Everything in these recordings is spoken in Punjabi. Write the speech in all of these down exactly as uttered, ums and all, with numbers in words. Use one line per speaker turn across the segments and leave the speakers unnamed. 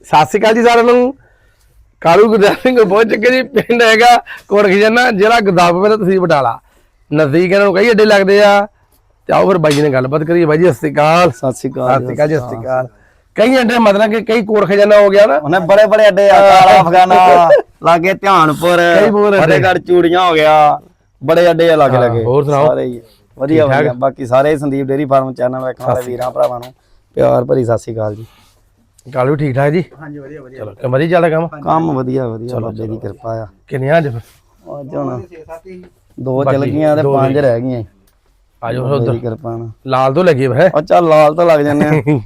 ਸਤਿ ਸ਼੍ਰੀ ਅਕਾਲ ਜੀ ਸਾਰਿਆਂ ਨੂੰ। ਕਾਲੂ ਗੁਰਦਾਸ ਸਿੰਘ ਪਹੁੰਚ ਚੁੱਕੇ ਜੀ। ਪਿੰਡ ਹੈਗਾ ਕੋਟ ਖਜ਼ਾਨਾ, ਜ਼ਿਲ੍ਹਾ ਗੁਰਦਾਸਪੁਰ, ਤਹਿਸੀਲ ਬਟਾਲਾ। ਨਜ਼ਦੀਕ ਇਹਨਾਂ ਨੂੰ ਕਈ ਅੱਡੇ ਲੱਗਦੇ ਆ। ਤੇ ਆਓ ਫਿਰ ਬਾਈ ਜੀ ਨਾਲ ਗੱਲਬਾਤ ਕਰੀਏ। ਬਾਈ ਜੀ ਸਤਿ ਸ਼੍ਰੀ ਅਕਾਲ।
ਸਤਿ ਸ਼੍ਰੀ ਅਕਾਲ
ਸਤਿ ਸ਼੍ਰੀ ਅਕਾਲ ਜੀ। ਸਤਿ ਸ਼੍ਰੀ ਅਕਾਲ। ਕਈ ਅੱਡੇ ਮਤਲਬ ਕਿ ਕਈ ਕੋਟ ਖਜ਼ਾਨਾ ਹੋ ਗਿਆ ਨਾ,
ਉਹਨੇ ਬੜੇ ਬੜੇ ਅੱਡੇ ਆ, ਕਾਲਾ ਅਫਗਾਨਾ ਲਾਗੇ ਧਿਆਨਪੁਰ, ਫਤਿਹਗੜ੍ਹ ਚੂੜੀਆਂ ਹੋ ਗਿਆ, ਬੜੇ ਅੱਡੇ ਆ ਲਾਗੇ ਲਾਗੇ।
ਹੋਰ ਸੁਣਾਓ?
ਸਾਰੇ ਹੀ ਵਧੀਆ ਵਧੀਆ। ਬਾਕੀ ਸਾਰੇ ਸੰਦੀਪ ਡੇਰੀ ਫਾਰਮ ਚੈਨਲ ਵੇਖਣ ਵਾਲੇ ਵੀਰਾਂ ਭਰਾਵਾਂ ਨੂੰ ਪਿਆਰ ਭਰੀ ਸਤਿ ਸ਼੍ਰੀ ਅਕਾਲ ਜੀ।
ਕਾਲੂ ਠੀਕ ਠਾਕ ਜੀ?
ਹਾਂਜੀ ਵਧੀਆ ਵਧੀਆ।
ਚਲੋ ਕੰਮ ਵਧੀਆ ਚੱਲਦਾ ਕੰਮ?
ਕੰਮ ਵਧੀਆ ਵਧੀਆ, ਬਾਬੇ ਦੀ ਕਿਰਪਾ ਆ।
ਕਿੰਨੀਆਂ ਅੱਜ ਫਿਰ?
ਅੱਜ ਹੁਣ ਦੋ ਚੱਲ ਗਈਆਂ ਤੇ ਪੰਜ ਰਹਿ ਗਈਆਂ।
ਆਜੋ
ਬਾਬੇ
ਉਧਰ
ਦੀ ਕਿਰਪਾ ਨਾਲ
ਲਾਲ ਤੋਂ ਲੱਗੀ ਹੈ।
ਉਹ ਚੱਲ ਲਾਲ ਤਾਂ ਲੱਗ ਜਾਂਦੇ ਆ।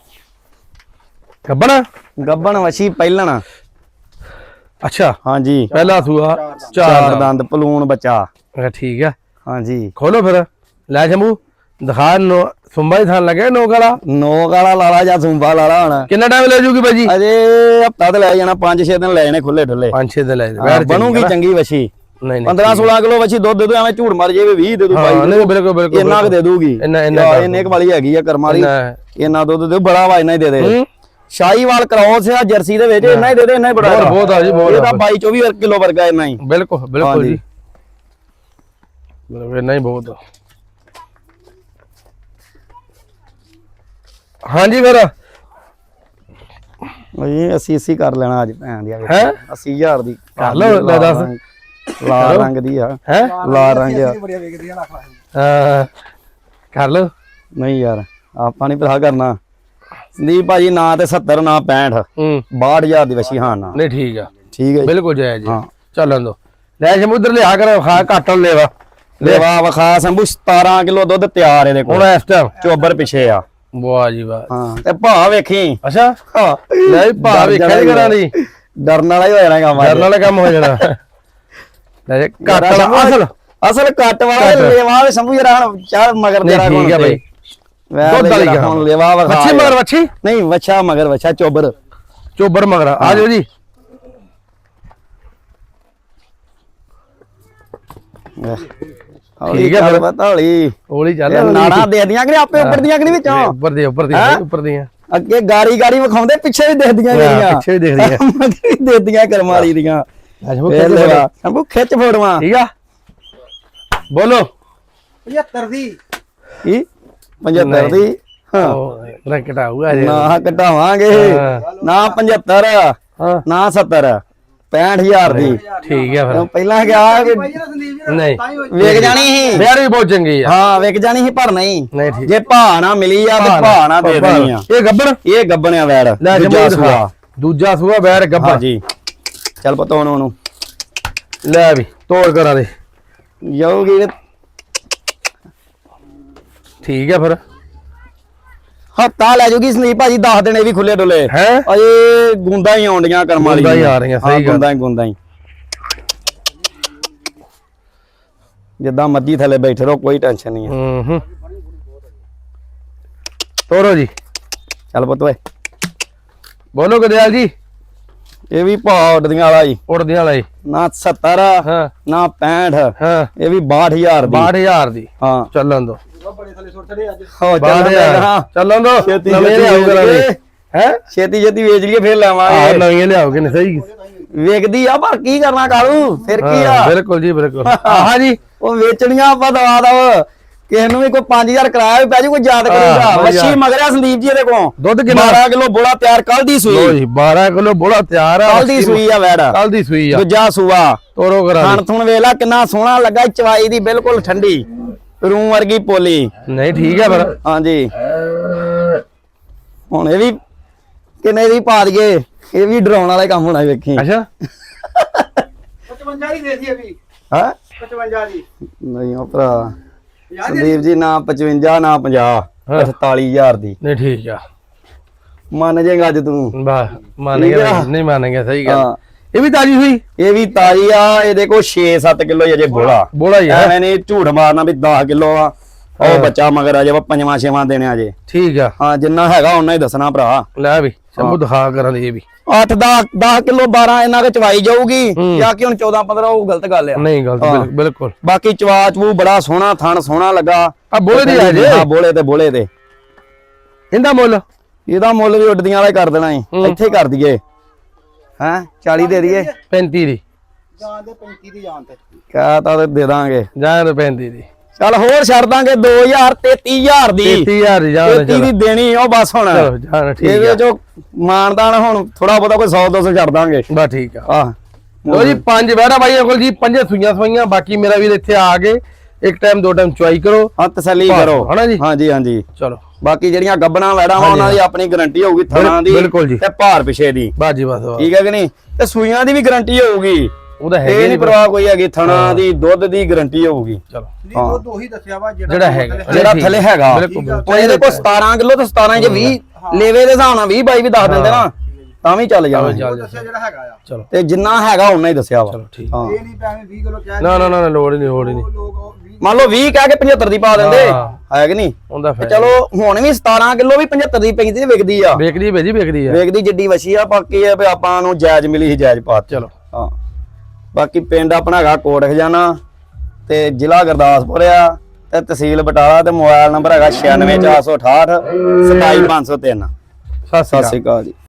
ਗੱਬਣ
ਗੱਬਣ ਵਛੀ ਪਹਿਲਣ।
ਅੱਛਾ
ਹਾਂਜੀ
ਪਹਿਲਾ ਸੂਆ
ਚਾਰ ਦੰਦ ਪਲੂਣ ਬੱਚਾ।
ਅੱਛਾ ਠੀਕ ਆ।
ਹਾਂਜੀ
ਖੋਲੋ ਫਿਰ ਲੈ ਸ਼ੰਭੂ ਦਿਖਾ। ਨੋ ਸੁੰਬਾ ਹੀ ਥਾਨ ਲੱਗੇ ਨੋਕ ਵਾਲਾ।
ਨੋਕ ਵਾਲਾ ਲਾਲਾ ਜਾਂ ਸੁੰਬਾ ਲਾਲਾ ਹੁਣ
ਕਿੰਨਾ ਟਾਈਮ ਲੈ ਜੂਗੀ ਬਾਈ ਜੀ?
ਅਜੇ ਹਫਤਾ ਤੇ ਲੈ ਜਾਣਾ, ਪੰਜ ਛੇ ਦਿਨ ਲੈ ਜਾਣੇ ਖੁੱਲੇ ਢੁੱਲੇ।
ਪੰਜ ਛੇ ਦਿਨ ਲੈ
ਬਣੂਗੀ ਚੰਗੀ ਵਛੀ।
ਨਹੀਂ ਨਹੀਂ
ਪੰਦਰਾਂ ਸੋਲਾਂ ਕਿਲੋ ਵਛੀ ਦੁੱਧ ਦੇ ਦੋ, ਐਵੇਂ ਝੂਠ ਮਾਰ ਜੇ ਵੀਹ ਦੇ ਦੂ ਬਾਈ।
ਨਹੀਂ ਬਿਲਕੁਲ ਬਿਲਕੁਲ
ਇੰਨਾ ਕੁ ਦੇ ਦੂਗੀ।
ਇੰਨਾ ਇੰਨਾ
ਇੰਨੇ ਕੁ ਵਾਲੀ ਹੈਗੀ ਆ ਕਰਮ ਵਾਲੀ। ਇੰਨਾ ਦੁੱਧ ਦੇ ਬੜਾ ਵਾ, ਇੰਨਾ ਹੀ ਦੇ ਦੇ। ਸ਼ਾਹੀਵਾਲ ਕ੍ਰੋਸ ਆ ਜਰਸੀ ਦੇ ਵਿੱਚ, ਇੰਨਾ ਹੀ ਦੇ ਦੇ, ਇੰਨਾ ਹੀ ਬੜਾ।
ਬਹੁਤ ਆ ਜੀ ਬਹੁਤ।
ਇਹ ਤਾਂ ਬਾਈ ਚੌਵੀ ਕਿਲੋ ਵਰਗਾ ਇੰਨਾ ਹੀ।
ਬਿਲਕੁਲ ਬਿਲਕੁਲ ਜੀ, ਬਿਲਕੁਲ ਇੰਨਾ ਹੀ ਬਹੁਤ। ਹਾਂਜੀ ਫਿਰ
ਇਹ ਅੱਸੀ ਅੱਸੀ ਕਰ ਲੈਣਾ ਅੱਜ ਭੈਣ ਦੀ।
ਹੈ
ਅੱਸੀ ਹਜ਼ਾਰ ਦੀ
ਕਰ ਲਓ। ਲੈ ਦੱਸ।
ਲਾਲ ਰੰਗ ਦੀ ਆ।
ਹੈ
ਲਾਲ ਰੰਗ ਆ।
ਹਾਂ ਕਰ ਲਓ।
ਨਹੀਂ ਯਾਰ ਆਪਾਂ ਨਹੀਂ ਭਰਾ ਕਰਨਾ। ਸੰਦੀਪ ਭਾਜੀ ਨਾ ਤੇ ਸੱਤਰ ਨਾ ਪੈਂਹਠ,
ਹੂੰ
ਬਾਹਠ ਹਜ਼ਾਰ ਦੀ ਵਛੀ। ਹਾਂ ਨਾ
ਨਹੀਂ ਠੀਕ ਆ,
ਠੀਕ ਹੈ
ਬਿਲਕੁਲ ਜਾਇਜ਼ ਜੀ।
ਹਾਂ
ਚੱਲਣ ਦੋ। ਲੈ ਸਮੁੰਦਰ ਲਿਆ ਕਰ, ਖਾ ਘਾਟਣ ਲੈਵਾ
ਲੈਵਾ ਵਖਾ ਸੰਭੂ ਸਤਾਰਾਂ ਕਿਲੋ ਦੁੱਧ ਤਿਆਰ ਇਹਦੇ ਕੋਲ।
ਹੁਣ ਇਸ ਟਾਈਮ
ਚੋਬਰ ਪਿੱਛੇ ਆ।
ਵਾਹ ਜੀ ਵਾਹ।
ਹਾਂ ਤੇ ਭਾ ਵੇਖੀ।
ਅੱਛਾ ਲੈ ਭਾ ਵੇਖਿਆ ਨੀ ਕਰਾਂ ਦੀ।
ਡਰਨ ਵਾਲਾ ਹੀ ਹੋ ਜਾਣਾ ਕੰਮ।
ਡਰਨ ਵਾਲਾ ਕੰਮ ਹੋ ਜਾਣਾ। ਲੈ ਘੱਟ ਵਾਲਾ ਅਸਲ
ਅਸਲ ਕੱਟ ਵਾਲਾ ਲੈਵਾ ਸੰਭੂ ਜਰਾ ਹੁਣ ਚਾਰ ਮਗਰ ਤੇਰਾ
ਠੀਕ ਹੈ ਬਾਈ।
ਦੁੱਧ ਵਾਲੀ ਹੁਣ ਲੈਵਾ ਵਖਾ।
ਵੱਛੀ ਮਗਰ ਵੱਛੀ
ਨਹੀਂ ਵੱਛਾ ਮਗਰ ਵੱਛਾ ਚੋਬਰ
ਚੋਬਰ ਮਗਰ। ਆ ਜਾਓ ਜੀ।
ਠੀਕ ਹੈ ਫਿਰ ਪਤਾ ਹੌਲੀ
ਹੌਲੀ ਚੱਲ।
ਨਾੜਾਂ ਦੇ ਦੀਆਂ ਕਿ ਆਪੇ ਉੱਪਰ ਦੀਆਂ ਕਿ ਨਹੀਂ ਵਿੱਚੋਂ?
ਉੱਪਰ ਦੀ ਉੱਪਰ ਦੀ ਉੱਪਰ ਦੀਆਂ।
ਅੱਗੇ ਗਾਰੀ ਗਾਰੀ ਵਿਖਾਉਂਦੇ, ਪਿੱਛੇ ਵੀ ਦੇਖਦੀਆਂ ਜਿਹੜੀਆਂ
ਪਿੱਛੇ ਵੀ ਦੇਖਦੀਆਂ
ਵੀ ਦੇਖਦੀਆਂ ਕਰਮ ਵਾਲੀ ਦੀਆਂ। ਸੰਭੂ ਖਿੱਚ ਫੋੜਵਾ।
ਠੀਕ ਆ ਬੋਲੋ।
ਪਝੱਤਰ ਦੀ
ਕੀ ਪਝੱਤਰ ਦੀ?
ਹਾਂ ਨਾ ਘਟਾਊਗਾ ਜੀ।
ਨਾ ਘਟਾਵਾਂਗੇ ਨਾ ਪਝੱਤਰ ਨਾ ਸੱਤਰ, ਪੈਂਹਠ ਹਜ਼ਾਰ ਦੀ।
ਠੀਕ ਆ ਫਿਰ
ਪਹਿਲਾਂ ਗਿਆ ਕਿ
ਨਹੀਂ
ਵੇਖ ਜਾਣੀ ਸੀ।
ਯਾਰ ਵੀ ਬਹੁਤ ਚੰਗੀ ਆ।
ਹਾਂ ਵੇਖ ਜਾਣੀ ਸੀ ਪਰ ਨਹੀਂ।
ਨਹੀਂ ਠੀਕ।
ਜੇ ਭਾ ਨਾ ਮਿਲੀ ਆ ਤੇ ਭਾ ਨਾ ਦੇ ਦੇਣੀ ਆ।
ਇਹ ਗੱਬਣ
ਇਹ ਗੱਬਣਿਆ ਵੈੜ
ਦੂਜਾ ਸੂਆ। ਦੂਜਾ ਸੂਆ ਵੈੜ ਗੱਬਣ
ਜੀ। ਚੱਲ ਪਤਾ ਹੁਣ ਉਹਨੂੰ
ਲੈ ਵੀ ਤੋੜ ਕਰਾਂ ਦੇ
ਜਾਊਗੀ।
ਠੀਕ ਆ ਫਿਰ
ਹੱਤਾ ਲੈ ਜੂਗੀ ਸੰਦੀਪ ਭਾਜੀ। ਦਸ ਦਿਨ ਇਹ ਵੀ ਖੁੱਲੇ ਡੁੱਲੇ
ਹੈ।
ਅਜੇ ਗੁੰਦਾ ਹੀ ਆਉਂਦੀਆਂ ਕਰਮ ਵਾਲੀ।
ਗੁੰਦਾ ਹੀ ਆ ਰਹੀਆਂ। ਸਹੀ ਗੱਲ।
ਗੁੰਦਾ ਹੀ ਗੁੰਦਾ ਹੀ ਜਿੱਦਾਂ ਮਰਜੀ ਥੱਲੇ ਬੈਠੇ ਰਹੋ, ਕੋਈ ਟੈਨਸ਼ਨ ਨਹੀਂ ਹੈ।
ਹੂੰ ਹੂੰ ਤੋਰੋ ਜੀ।
ਚੱਲ ਪੁੱਤ ਓਏ
ਬੋਲੋ ਗਦਿਆਲ ਜੀ।
ਇਹ ਵੀ ਭਾ ਉੱਡਦੀਆਂ ਵਾਲਾ ਜੀ।
ਉੜਦੀਆਂ ਵਾਲਾ ਜੀ।
ਨਾ ਸੱਤਰ
ਹਾਂ
ਨਾ ਪੈਂਹਠ,
ਹਾਂ
ਇਹ ਵੀ ਬਾਹਠ ਹਜ਼ਾਰ ਦੀ।
ਬਾਹਠ ਹਜ਼ਾਰ ਦੀ।
ਹਾਂ
ਚੱਲਣ ਦੋ।
ਹੋ ਚੱਲ
ਚੱਲਣ ਦੋ।
ਛੇਤੀ
ਨਵੇਂ ਲਿਆਓ ਕਰਾਂਗੇ। ਹੈ
ਛੇਤੀ ਛੇਤੀ ਵੇਚ ਲਈਏ ਫਿਰ
ਆਹ
ਲੈਵਾਂਗੇ।
ਨਵੀਆਂ ਲਿਆਓਗੇ ਨੇ। ਸਹੀ
ਵੇਚਦੀ ਆ ਪਰ ਕੀ ਕਰਨਾ ਕਾਲੂ, ਫਿਰ ਕੀ ਆ।
ਬਿਲਕੁਲ ਜੀ ਬਿਲਕੁਲ। ਆਹ ਜੀ
ਉਹ ਵੇਚਣੀਆਂ ਆਪਾਂ ਦਵਾ ਦਵ। ਕਿਸੇ ਨੂੰ ਵੀ ਕੋਈ ਪੰਜ ਹਜ਼ਾਰ ਕਿਰਾਇਆ ਵੀ ਪੈ ਜੂ, ਕੋਈ ਯਾਦ ਕਰੂਗਾ। ਮੱਛੀ ਮਗਰਿਆ ਸੰਦੀਪ ਜੀ ਇਹਦੇ ਕੋਲ
ਦੁੱਧ ਕਿੰਨਾ?
ਬਾਰਾਂ ਕਿਲੋ ਬੋਲਾ ਤਿਆਰ ਕੱਲ ਦੀ ਸੂਈ।
ਲੋ ਜੀ ਬਾਰਾਂ ਕਿਲੋ ਬੋਲਾ ਤਿਆਰ ਆ।
ਕੱਲ ਦੀ ਸੂਈ ਆ ਵੈੜ।
ਕੱਲ ਦੀ ਸੂਈ ਆ।
ਦੂਜਾ ਸੂਆ
ਤੋਰੋ ਕਰਾ
ਥਣ ਥੁਣ ਵੇਲਾ ਕਿੰਨਾ ਸੋਹਣਾ ਲੱਗਾ। ਚਵਾਈ ਦੀ ਬਿਲਕੁਲ ਠੰਡੀ, ਰੂੰ ਵਰਗੀ ਪੋਲੀ।
ਨਹੀਂ ਠੀਕ ਆ ਫਿਰ।
ਹਾਂਜੀ ਹੁਣ ਇਹ ਵੀ ਕਿੰਨੇ ਦੀ ਪਾ ਦਈਏ। ਇਹ ਵੀ ਡਰਾਉਣ ਵਾਲਾ ਕੰਮ ਹੋਣਾ ਵੇਖੀ।
ਅੱਛਾ
ਪਚਵੰਜਾ ਦੀ ਦੇ ਦੀ ਅਭੀ।
ਹਾਂ
ਪਚਵੰਜਾ ਦੀ
ਨਹੀਂ ਉਹ ਭਰਾ ਸੰਦੀਪ ਜੀ ਨਾ ਪਚਵੰਜਾ ਨਾ ਪੰਜਾਹ, ਅਠਤਾਲੀ ਹਜ਼ਾਰ ਦੀ।
ਨਹੀਂ ਠੀਕ ਆ।
ਮੰਨ ਜਾਏਗਾ ਅੱਜ ਤੂੰ।
ਵਾਹ ਮੰਨ ਗਿਆ। ਨਹੀਂ ਮੰਨ ਗਿਆ। ਸਹੀ ਗੱਲ। ਇਹ ਵੀ ਤਾਜੀ ਹੋਈ।
ਇਹ ਵੀ ਤਾਜੀ ਆ। ਇਹਦੇ ਕੋਲ ਛੇ ਸੱਤ ਕਿਲੋ ਅਜੇ ਬੋਲਾ
ਬੋਲਾ ਹੀ ਆ।
ਐਵੇਂ ਨਹੀਂ ਝੂਠ ਮਾਰਨਾ ਵੀ ਦਸ ਕਿਲੋ ਆ। ਉਹ ਬੱਚਾ ਮਗਰ ਅਜੇ ਪੰਜਵਾਂ ਛੇਵਾਂ ਦੇਣੇ ਅਜੇ।
ਠੀਕ ਆ।
ਹਾਂ ਜਿੰਨਾ ਹੈਗਾ ਉਹਨਾਂ ਹੀ ਦੱਸਣਾ ਭਰਾ।
ਲੈ ਵੀ ਸ਼ੰਭੂ ਦਿਖਾ ਕਰਾਂ ਦੇ। ਇਹ ਵੀ
ਅੱਠ ਦਸ ਦਸ ਕਿਲੋ ਬਾਰਾਂ ਇਹਨਾਂ ਕੇ ਚਵਾਈ ਜਾਊਗੀ। ਜਾਂ ਕਿ ਹੁਣ ਚੌਦਾਂ ਪੰਦਰਾਂ ਉਹ ਗਲਤ ਗੱਲ ਆ।
ਨਹੀਂ ਗਲਤ ਬਿਲਕੁਲ।
ਬਾਕੀ ਚਵਾ ਚਵੂ ਬੜਾ ਸੋਹਣਾ, ਥਣ ਸੋਹਣਾ ਲੱਗਾ।
ਆ ਬੋਲੇ ਦੀ ਆ ਜੇ।
ਹਾਂ ਬੋਲੇ ਤੇ ਬੋਲੇ ਤੇ
ਇਹਦਾ ਮੁੱਲ
ਇਹਦਾ ਮੁੱਲ ਵੀ ਉੱਡਦੀਆਂ ਵਾਲਾ ਹੀ ਕਰ ਦੇਣਾ ਈ ਇੱਥੇ ਹੀ ਕਰ ਦਈਏ ਹੈ ਚਾਲੀ ਦੇ ਦਈਏ
ਪੈਂਤੀ ਦੀ
ਜਾਨ ਦੇ ਪੈਂਤੀ ਦੀ ਜਾਨ ਤੇ
ਕਾ ਤਾਂ ਦੇ ਦਾਂਗੇ
ਜਾਨ ਪੈਂਤੀ ਦੀ
ਚੱਲ ਹੋਰ ਛੱਡ ਦਾਂਗੇ ਦੋ ਹਜ਼ਾਰ ਤੇਤੀ ਹਜ਼ਾਰ ਦੀ
ਤੇਤੀ ਹਜ਼ਾਰ ਦੀ ਜਾਨ
ਤੇਤੀ ਦੀ ਦੇਣੀ ਉਹ ਬਸ ਹੁਣ
ਚਲੋ ਜਾਨ ਠੀਕ
ਇਹਦੇ
ਆ
ਚੋਂ ਮਾਨਦਾਨ ਹੁਣ ਥੋੜਾ ਬਹੁਤਾ ਕੋਈ ਸੌ ਦੋ ਸੌ ਛੱਡ ਦਾਂਗੇ
ਬਸ ਠੀਕ ਆ
ਆਹ
ਲੋ ਜੀ ਪੰਜ ਬੈਠਾ ਬਾਈ ਕੋਲ ਜੀ ਪੰਜੇ ਸੂਈਆਂ ਸਵਾਈਆਂ ਬਾਕੀ ਮੇਰਾ ਵੀਰ ਇੱਥੇ ਆ ਕੇ ਇੱਕ ਟਾਈਮ ਦੋ ਟਾਈਮ ਚੁਆਈ ਕਰੋ
ਹਾਂ ਤਸੱਲੀ
ਬਸ,
ਕਰੋ
ਹਨਾ ਜੀ?
ਹਾਂਜੀ ਹਾਂਜੀ
ਚਲੋ
ਬਾਕੀ ਜਿਹੜੀਆਂ ਗੱਬਣਾ ਵੈੜਾਂ ਵਾ ਉਹਨਾਂ ਦੀ ਆਪਣੀ ਗਾਰੰਟੀ ਹੋਊਗੀ ਥਣਾ ਦੀ
ਬਿਲਕੁਲ ਜੀ।
ਤੇ ਭਾਰ ਪਿਛੇ ਦੀ
ਬਸ ਜੀ ਬਸ ਬਸ।
ਠੀਕ ਹੈ ਕਿ ਨਹੀਂ ਤੇ ਸੂਈਆਂ ਦੀ ਵੀ ਗਾਰੰਟੀ ਹੋਊਗੀ
ਉਹਦਾ
ਇਹ
ਹੈਗੇ
ਨਹੀਂ ਪਰਵਾਹ ਕੋਈ ਹੈਗੀ ਥਣਾ ਦੀ ਦੁੱਧ ਦੀ ਗਾਰੰਟੀ ਹੋਊਗੀ
ਚਲੋ
ਨਹੀਂ ਉਹ ਉਹੀ ਦੱਸਿਆ ਵਾ
ਜਿਹੜਾ ਹੈਗਾ।
ਜਿਹੜਾ
ਠੀਕ
ਥੱਲੇ
ਹੈ।
ਹੈਗਾ
ਬਿਲਕੁਲ, ਬਿਲਕੁਲ।
ਹੁਣ ਇਹਦੇ ਕੋਲ ਸਤਾਰਾਂ ਕਿਲੋ ਤੇ ਸਤਾਰਾਂ ਚ ਵੀਹ ਲੇਵੇ ਦੇ ਹਿਸਾਬ ਨਾਲ ਵੀਹ ਬਾਈ ਵੀ ਦੱਸ ਦਿੰਦੇ ਨਾ ਤਾਂ ਵੀ ਚੱਲ ਜਾਣਾ
ਚੱਲ
ਉਹ ਦੱਸਿਆ ਜਿਹੜਾ ਹੈਗਾ ਆ
ਚਲੋ
ਤੇ ਜਿੰਨਾ ਹੈਗਾ ਉਹਨਾਂ ਹੀ ਦੱਸਿਆ ਵਾ
ਚਲੋ ਠੀਕ
ਹਾਂ
ਇਹ ਨਹੀਂ ਪੈਵੇਂ ਵੀਹ ਕਿਲੋ ਕਹਿ
ਨਾ ਨਾ ਨਾ ਨਾ, ਲੋੜ ਹੀ ਨਹੀਂ ਲੋੜ ਹੀ ਨਹੀਂ
ਉਹ ਲੋਕ ਉਹ ਵੀਹ
ਮੰਨ ਲਓ ਵੀਹ ਕਹਿ ਕੇ ਪਝੱਤਰ ਦੀ ਪਾ ਦਿੰਦੇ
ਹਾਂ।
ਹੈ ਕਿ ਨਹੀਂ
ਉਹਦਾ
ਤੇ
ਫਾਇਦਾ
ਚਲੋ ਹੁਣ ਵੀ ਸਤਾਰਾਂ ਕਿਲੋ ਵੀ ਪਝੱਤਰ ਦੀ ਪੈਂਦੀ ਤੇ ਵਿਕਦੀ ਆ
ਵੇਖਦੀ ਭੇਜੀ ਵੇਖਦੀ ਆ
ਵੇਖਦੀ ਜਿੱਡੀ ਵਛੀ ਆ ਬਾਕੀ ਇਹ ਵੀ ਆਪਾਂ ਨੂੰ ਜਾਇਜ਼ ਮਿਲੀ ਸੀ ਜਾਇਜ਼ ਪਾ
ਚਲੋ
ਹਾਂ ਬਾਕੀ ਪਿੰਡ ਆਪਣਾ ਹੈਗਾ ਕੋਟ ਖਜ਼ਾਨਾ ਤੇ ਜ਼ਿਲ੍ਹਾ ਗੁਰਦਾਸਪੁਰ ਆ ਤੇ ਤਹਿਸੀਲ ਬਟਾਲਾ ਤੇ ਮੋਬਾਈਲ ਨੰਬਰ ਹੈਗਾ ਛਿਆਨਵੇਂ ਚਾਰ ਸੌ ਅਠਾਹਠ ਸਤਾਈ ਪੰਜ ਸੌ ਤਿੰਨ
ਸਤਿ
ਸਤਿ
ਸ਼੍ਰੀ
ਸ਼੍ਰੀ
ਅਕਾਲ
ਅਕਾਲ ਜੀ।